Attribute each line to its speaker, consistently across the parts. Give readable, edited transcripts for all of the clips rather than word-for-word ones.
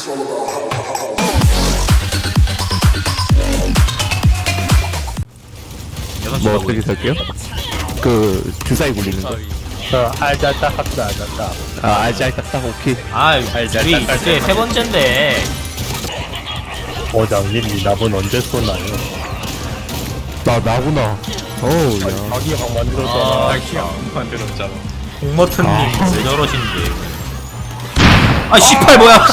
Speaker 1: 뭐 어떻게 살게요? 그 주사위 굴리는 거.
Speaker 2: 알자따 합다 알자따.
Speaker 1: 아 알잘 딱딱 오케이.
Speaker 3: 아 우리 이제 세 번째인데
Speaker 2: 어장님 미납은 언제 쏘나요?
Speaker 1: 나구나. 어우 야.
Speaker 2: 자기 방 만들었잖아.
Speaker 4: 만들었잖아.
Speaker 3: 공머튼님 왜 저러신지. 아 씨발 뭐야.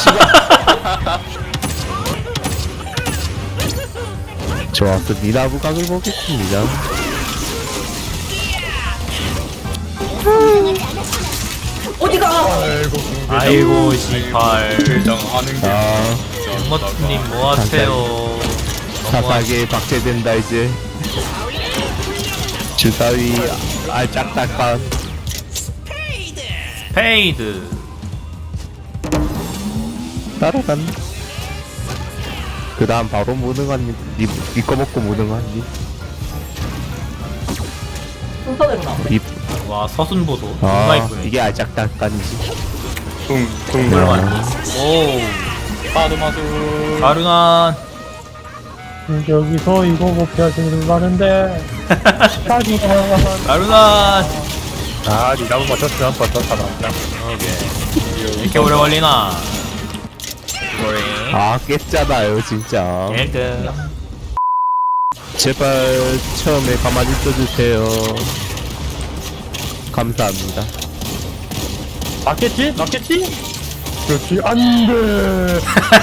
Speaker 1: 좋았어. 미나부 각을 보겠습니다.
Speaker 3: 아이고 씨발.
Speaker 4: 대장하는 게
Speaker 1: 아
Speaker 3: 공머튼님 뭐하세요.
Speaker 1: 사사게 박제된다 이제. 주사위 알짝딱한.
Speaker 3: 페이드.
Speaker 1: 따라간. 그 다음 바로 무능한 니꺼 먹고 무능한 니.
Speaker 5: 순서대로 나와.
Speaker 3: 와 서순보소.
Speaker 1: 아
Speaker 3: 정말 이쁘네.
Speaker 1: 이게 알짝딱한이지.
Speaker 4: 둥글만.
Speaker 3: 오
Speaker 4: 아도마수.
Speaker 3: 가르난.
Speaker 2: 여기서 이거 먹게 하시는 분 많은데.
Speaker 3: 가르난.
Speaker 2: 아, 미납은 맞췄으면 벌써 살아났다.
Speaker 3: 오케이. 이렇게 오래 걸리나. 이거래.
Speaker 1: 아 깼잖아요 진짜.
Speaker 3: 1등.
Speaker 1: 제발 처음에 가만히 있어주세요. 감사합니다.
Speaker 2: 맞겠지? 맞겠지? 그렇지, 안 돼.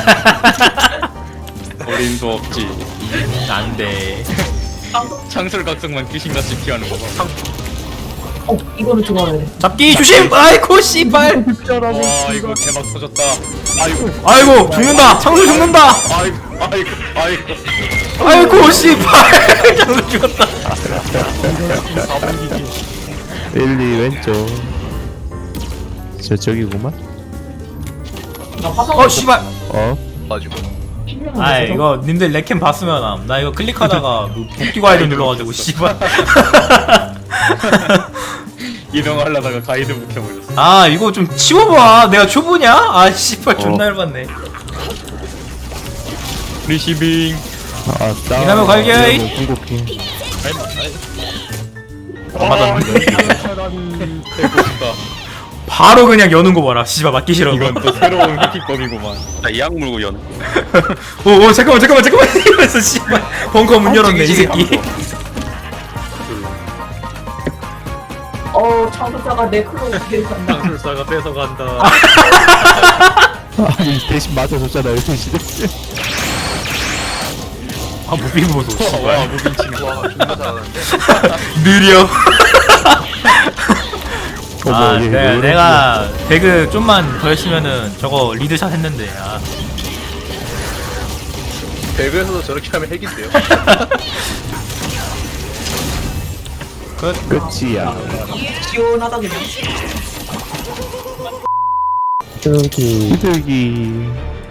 Speaker 4: 어림도 없지.
Speaker 3: 안돼.
Speaker 4: 창설각성만 귀신같이 피하는 거 봐.
Speaker 5: 이거를 좋아해.
Speaker 3: 잡기 조심. 아이고 씨발.
Speaker 4: 와 이거 대박 터졌다. 아이고
Speaker 3: 아이고 죽는다. 창수 죽는다.
Speaker 4: 아이고.
Speaker 3: 아이고 씨발. 창수 죽었다.
Speaker 1: 1, 2 왼쪽. 저기구만.
Speaker 5: 나 화상.
Speaker 3: 어 씨발.
Speaker 1: 어?
Speaker 4: 가지고.
Speaker 3: 아 이거 님들 레캠 봤으면 나 이거 클릭하다가 복귀 아이들 눌러가지고 씨발.
Speaker 4: 이동하려다가 가이드 묵혀버렸어.
Speaker 3: 아 이거 좀 치워봐. 내가 초보냐? 아 씨발 존나 열받네.
Speaker 4: 리시빙.
Speaker 1: 아, 싸.
Speaker 3: 이나면 갈게.
Speaker 1: 궁극기.
Speaker 4: 해보니까
Speaker 3: 바로 그냥 여는 거 봐라. 씨발 맞기 싫어.
Speaker 4: 이건 또 새로운 해킹법이구만. 나이악 물고 연.
Speaker 3: 오 잠깐만 이러면서 씨발 벙커 문 열었네 이 새끼.
Speaker 5: 창조자가 내 클로 데려간다.
Speaker 4: 창술사가 뺏어간다.
Speaker 1: 아니, 대신 맞아줬잖아요, 대신에.
Speaker 3: 아 무빙 보소
Speaker 4: 와
Speaker 3: 씨발.
Speaker 4: 무빙 치는 거. 와 존나 잘하는데.
Speaker 3: 느려. 아
Speaker 1: 얘,
Speaker 3: 내가 배그 좀만 더 했으면은 저거 리드샷 했는데. 아.
Speaker 4: 배그에서도 저렇게 하면 핵인데요.
Speaker 1: 끝이야.
Speaker 5: 시원하다 그냥.
Speaker 2: 저기,
Speaker 1: 비둘기.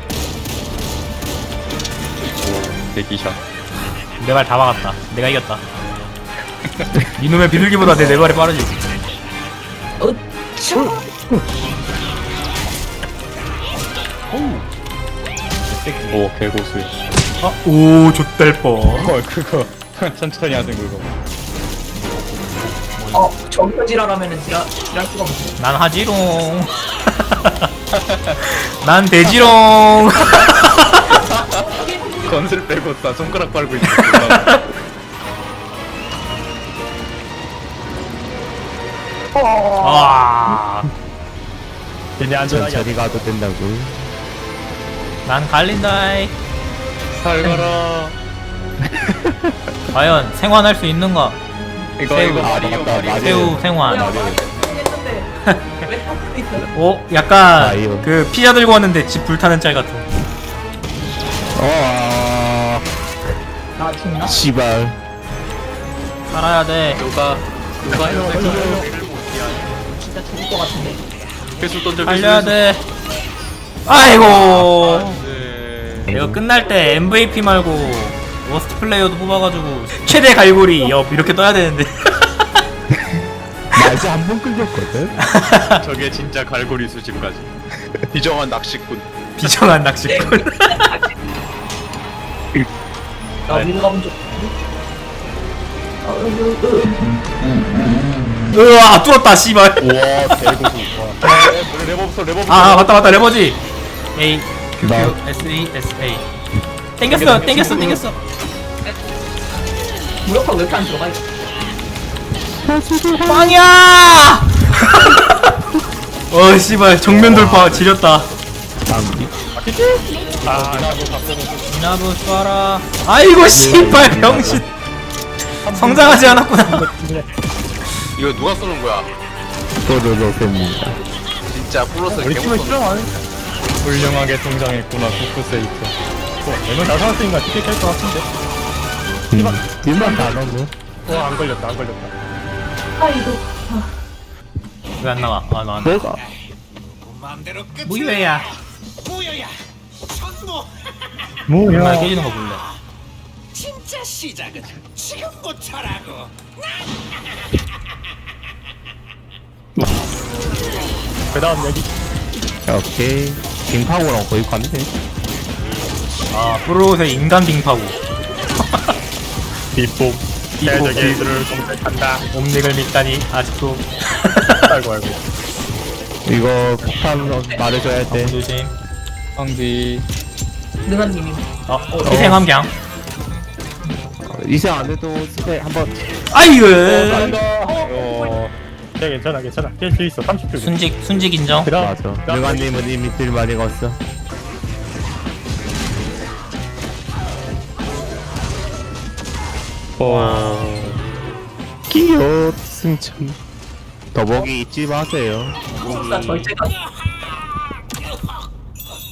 Speaker 4: 대기샷.
Speaker 3: 내 말 다 막았다. 내가 이겼다. 이놈의 비둘기보다 내 발이 빠르지.
Speaker 4: 오 개고수.
Speaker 3: 오 좆될 뻔.
Speaker 4: 그거 천천히 하는 그거.
Speaker 5: 저기서 지랄하면은 지랄 수가 없어.
Speaker 3: 난 하지롱. 난 돼지롱.
Speaker 4: 건슬 빼고 다 손가락 빨고 있어.
Speaker 3: 와.
Speaker 2: 얘네 안전하게.
Speaker 1: 천천히 가도 된다고.
Speaker 3: 난 갈린다이.
Speaker 4: 잘 가라.
Speaker 3: 과연 생환할 수 있는가?
Speaker 4: 이거
Speaker 3: 새우.
Speaker 4: 이거 마리오
Speaker 1: 맞다,
Speaker 4: 마리오.
Speaker 1: 마리오.
Speaker 3: 새우 생환.
Speaker 5: 했는데 왜 탑도 있어?
Speaker 3: 오 약간
Speaker 1: 아이오.
Speaker 3: 그 피자 들고 왔는데 집 불타는 짤 같은.
Speaker 5: 나 죽나?
Speaker 1: 씨발.
Speaker 3: 살아야 돼.
Speaker 4: 누가
Speaker 5: 진짜 죽을 것 같은데.
Speaker 4: 회수 던져.
Speaker 3: 달려야 돼. 아이고.
Speaker 4: 네.
Speaker 3: 이거 끝날 때 MVP 말고 워스트 플레이어도 뽑아가지고 최대 갈고리 옆 이렇게 떠야 되는데.
Speaker 1: 나 이제 한 번 끌렸거든?
Speaker 4: 저게 진짜 갈고리 수집까지. 비정한 낚시꾼.
Speaker 3: 비정한 낚시꾼.
Speaker 5: 나 위로 가본 적
Speaker 3: 으아 뚫었다 씨발.
Speaker 2: 우와 개고수. 레버 없어 레버 없어.
Speaker 3: 아 맞다 레버지. A Q
Speaker 1: 나.
Speaker 3: Q S E S A. 땡겼어.
Speaker 5: 무력화 왜 이렇게 안 들어가 이거
Speaker 3: 빵이야. 어 씨발 정면 돌파 지렸다.
Speaker 1: 장비.
Speaker 2: 아 나도 바꿔놓고.
Speaker 3: 이나부 쏴라. 아이고 씨발 병신. 성장하지 않았구나.
Speaker 4: 이거 누가 쏘는 거야?
Speaker 1: 또르르셉니다.
Speaker 4: 진짜 플러스
Speaker 2: 우리 팀은 실험하네. 훌륭하게 성장했구나 쿠쿠세이트. 내가 다 살았으니까 쉽게 깰 것 같은데.
Speaker 1: 일만 다 넣네.
Speaker 2: 안 걸렸다 안 걸렸다.
Speaker 5: 아이고
Speaker 3: 왜 안 나와? 아 나왔네.
Speaker 1: 뭐가?
Speaker 3: 무효야.
Speaker 2: 뭐야?
Speaker 3: 정말 깨지는 거 볼래.
Speaker 6: 진짜 시작은 지금부터라고.
Speaker 2: 그다음 얘기.
Speaker 1: 오케이. 빙파고랑 거의 같네.
Speaker 3: 아 프로의 인간 빙파고.
Speaker 2: 비법. 대적애들을 검색한다.
Speaker 3: 옴닉을 믿다니 아직도.
Speaker 2: 아이고 아이고.
Speaker 1: 이거 폭탄 말해줘야 돼.
Speaker 3: 조심.
Speaker 4: 황비.
Speaker 5: 능한님이
Speaker 3: 희생함 그냥.
Speaker 1: 이세 안 해도 스페 한번.
Speaker 3: 아이고.
Speaker 2: 괜찮아 깰 수 있어 30초.
Speaker 3: 순직 인정.
Speaker 1: 맞아. 능아님은 이미 들 많이 갔어. 끼요 승천. 더보기 잊지 마세요.
Speaker 5: 진짜 절제가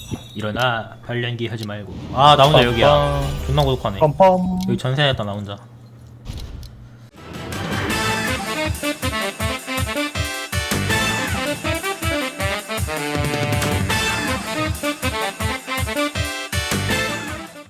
Speaker 3: 일어나 발연기 하지 말고. 아 나 혼자 여기야. 존나 고독하네.
Speaker 2: 펌펌.
Speaker 3: 여기 전세냈다 나 혼자.